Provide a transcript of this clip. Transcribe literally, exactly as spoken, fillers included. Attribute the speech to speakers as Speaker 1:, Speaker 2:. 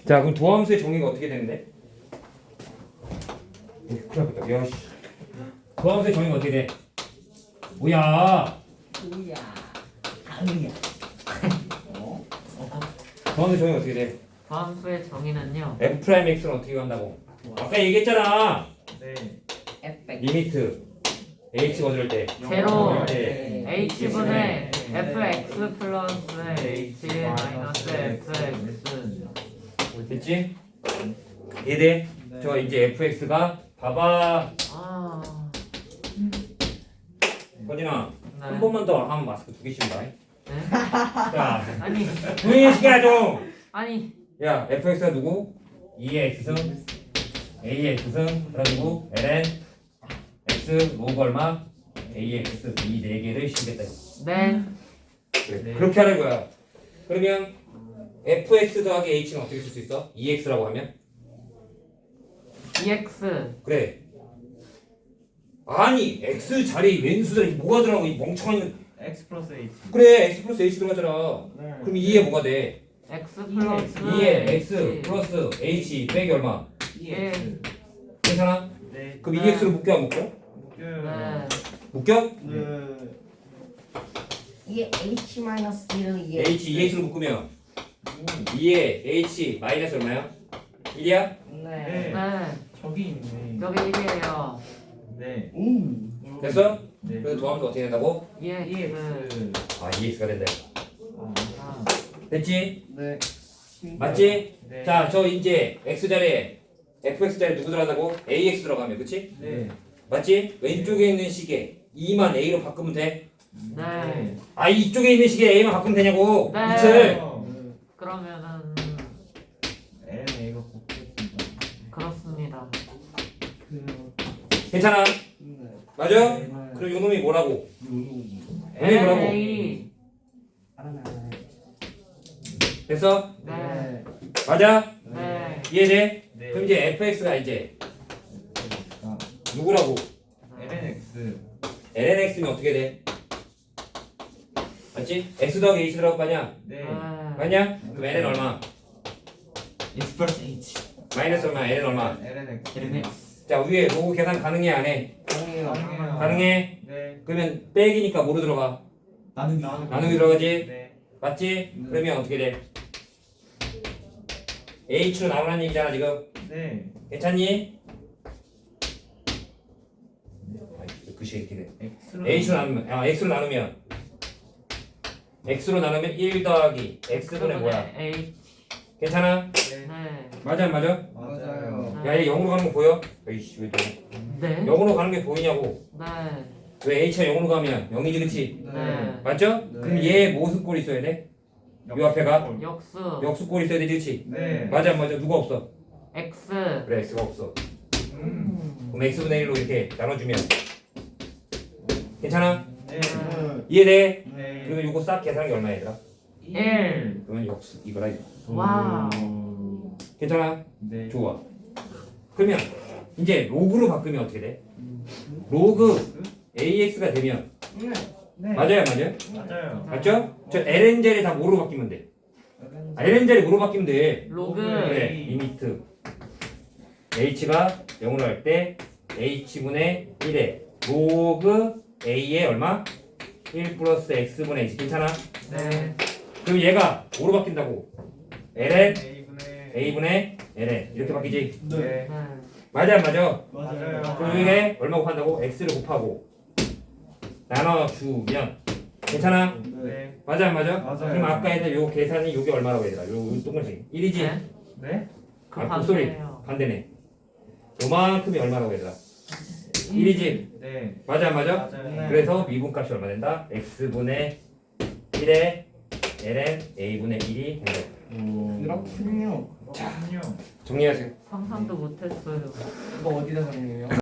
Speaker 1: 자, 그럼 도함수의 정의가 어떻게 되는데? 큰일 났다. 야, 씨. 도함수의 정의가 어떻게 돼? 뭐야?
Speaker 2: 뭐야? 아니야. 어?
Speaker 1: 도함수의 정의가 어떻게 돼?
Speaker 3: 함수의 정의는요.
Speaker 1: f 프라임 x는 어떻게 간다고? 아까 얘기했잖아.
Speaker 4: 네.
Speaker 2: 에펙.
Speaker 1: 리미트 h가 어디를 때?
Speaker 3: 제로.
Speaker 1: 네.
Speaker 3: h분의 fx 플러스 h 마이너스 fx.
Speaker 1: 됐지? 이해돼? 저 이제 fx가 봐봐.
Speaker 3: 아.
Speaker 1: 거진아 한
Speaker 3: 네.
Speaker 1: 번만 더 하면 마스크 두 개씩 다.
Speaker 3: 네?
Speaker 1: 자,
Speaker 3: 아니
Speaker 1: 조용히 시켜야 좀.
Speaker 3: 아니
Speaker 1: 야, fx가 누구? 이의 x승, a의 x승, 그래가지고 ln x 로그 얼마? a의 x 이 네 개를 씌우겠다.
Speaker 3: 네.
Speaker 1: 그래.
Speaker 4: 네.
Speaker 1: 그렇게 하는 거야. 그러면 fx 더하기 h는 어떻게 쓸 수 있어? 이 엑스라고 하면?
Speaker 3: ex
Speaker 1: 그래. 아니, x 자리에 왼수 자리에 뭐가 들어가고 이 멍청한.
Speaker 4: X 플러스 H.
Speaker 1: 그래, x 플러스 h 들어가잖아.
Speaker 4: 네.
Speaker 1: 그럼 이에 뭐가 돼?
Speaker 3: x 플러스
Speaker 1: 이에 x 플러스 h 빼기 얼마?
Speaker 3: 예.
Speaker 1: 괜찮아?
Speaker 4: 네.
Speaker 1: 그럼
Speaker 3: 네.
Speaker 1: 이 엑스로 묶여 안 묶여?
Speaker 4: 묶여요.
Speaker 3: 네.
Speaker 1: 묶여?
Speaker 4: 네.
Speaker 2: 이게 H 마이너스 이게
Speaker 1: h 이 엑스로 묶으면 이에 h 마이너스 얼마야? 일이야?
Speaker 2: 네.
Speaker 3: 네.
Speaker 4: 저기 있네.
Speaker 3: 저기 일이에요.
Speaker 4: 네.
Speaker 2: 음.
Speaker 1: 됐어?
Speaker 4: 네.
Speaker 1: 그래서 도함수 어떻게 된다고?
Speaker 3: ex.
Speaker 4: EX.
Speaker 1: 아, 이 엑스가 된다.
Speaker 4: 아.
Speaker 1: 됐지?
Speaker 2: 네.
Speaker 1: 맞지?
Speaker 4: 네.
Speaker 1: 자, 저 이제 x 자리에 fx 자리에 누구 들어간다고? ax 들어가면, 그치?
Speaker 4: 네.
Speaker 1: 맞지? 왼쪽에 있는 식에 이만 a로 바꾸면 돼.
Speaker 3: 네.
Speaker 1: 아, 이쪽에 있는 식에 a만 바꾸면 되냐고.
Speaker 3: 네.
Speaker 1: 이틀.
Speaker 3: 그러면은
Speaker 4: N A가 곱겠습니다.
Speaker 3: 그렇습니다.
Speaker 1: 괜찮아?
Speaker 2: 네.
Speaker 1: 맞아?
Speaker 4: 네.
Speaker 1: 그럼 요 놈이 뭐라고?
Speaker 2: 요요.
Speaker 1: 얘네 뭐라고?
Speaker 3: A.
Speaker 2: 알아나.
Speaker 1: 됐어?
Speaker 3: 네.
Speaker 1: 맞아?
Speaker 3: 네.
Speaker 1: 이해돼?
Speaker 4: 네.
Speaker 1: 그럼 이제 fx가 이제
Speaker 4: 아,
Speaker 1: 누구라고?
Speaker 4: LnX.
Speaker 1: lnx면 어떻게 돼? 맞지? x 더하기 h 들어갈 거 아니야?
Speaker 4: 네.
Speaker 1: 맞냐? 그럼 ln 얼마?
Speaker 5: X 플러스 H
Speaker 1: 마이너스 얼마? ln 얼마?
Speaker 4: LnX.
Speaker 5: X
Speaker 1: 자, 위에 로그 계산 가능해 안 해?
Speaker 2: 가능해요.
Speaker 4: 가능해요.
Speaker 1: 가능해?
Speaker 4: 네.
Speaker 1: 그러면 빼기니까 뭐로 들어가?
Speaker 5: 나누기
Speaker 1: 나누기 들어가지?
Speaker 4: 네.
Speaker 1: 맞지?
Speaker 2: 네.
Speaker 1: 그러면 어떻게 돼? h로 나오라는 얘기잖아 지금.
Speaker 4: 네.
Speaker 1: 괜찮니? 글씨 이렇게 돼.
Speaker 4: X로.
Speaker 1: h로 나누면 아 x로 나누면 x로 나누면 일 더하기 x분의 뭐야?
Speaker 3: A.
Speaker 1: 괜찮아?
Speaker 4: 네.
Speaker 3: 네.
Speaker 1: 맞아 안 맞아?
Speaker 4: 맞아요.
Speaker 1: 야, 얘 영으로 가는 거 보여? 에이씨 왜 또?
Speaker 3: 네.
Speaker 1: 영으로 가는 게 보이냐고?
Speaker 3: 네.
Speaker 1: 왜 h가 영으로 가면 영이지 그치?
Speaker 3: 네.
Speaker 1: 맞죠?
Speaker 2: 네.
Speaker 1: 그럼 얘 무슨 꼴이 있어야 돼? 요 앞에가?
Speaker 3: 역수.
Speaker 1: 역수꼴이 있어야 되지 그치?
Speaker 4: 네.
Speaker 1: 맞아 안 맞아? 누가 없어?
Speaker 3: X.
Speaker 1: 그래 x가 없어.
Speaker 4: 음.
Speaker 1: 그럼 x분의 일로 이렇게 나눠주면 괜찮아?
Speaker 4: 네.
Speaker 1: 이해돼?
Speaker 4: 네.
Speaker 1: 그리고 요거 싹 계산한 게 얼마 얘들아?
Speaker 3: 일.
Speaker 1: 그러면 역수 이거라 이거.
Speaker 3: 와우.
Speaker 1: 괜찮아?
Speaker 4: 네.
Speaker 1: 좋아. 그러면 이제 로그로 바꾸면 어떻게 돼? 로그 ax가 되면
Speaker 2: 네.
Speaker 4: 네.
Speaker 1: 맞아요 맞아요?
Speaker 4: 맞아요.
Speaker 1: 맞죠? 저 ln 자리 다 뭐로 바뀌면 돼? 아, ln 자리 뭐로 바뀌면 돼?
Speaker 3: 로그.
Speaker 1: 그래 리미트 h가 영으로 할 때 h분의 일에 로그 a의 얼마? 일 플러스 x분의 h 괜찮아?
Speaker 3: 네.
Speaker 1: 그럼 얘가 뭐로 바뀐다고? ln
Speaker 4: A분의.
Speaker 1: a분의 ln 이렇게 바뀌지?
Speaker 4: 네.
Speaker 3: 네.
Speaker 1: 맞아 안 맞아?
Speaker 4: 맞아요.
Speaker 1: 그럼 이게 얼마 곱한다고? x를 곱하고 나눠주면 괜찮아?
Speaker 4: 네.
Speaker 1: 맞아 안 맞아?
Speaker 4: 맞아요.
Speaker 1: 그럼 아까 했던 요 계산이 요게 얼마라고 얘들아? 요, 요 동글씩 일이지?
Speaker 3: 네.
Speaker 4: 네.
Speaker 3: 그
Speaker 1: 아, 목소리
Speaker 3: 반대예요.
Speaker 1: 반대네. 요만큼이 얼마라고 얘들아? 일이지?
Speaker 4: 네.
Speaker 1: 맞아 안 맞아?
Speaker 4: 맞아요.
Speaker 1: 그래서 미분값이 얼마 된다? x분의 일에 ln a분의 일이 된다.
Speaker 2: 그렇군요.
Speaker 4: 자.
Speaker 1: 정리하세요.
Speaker 3: 상상도 못했어요.
Speaker 2: 이거 어디다 정리해요?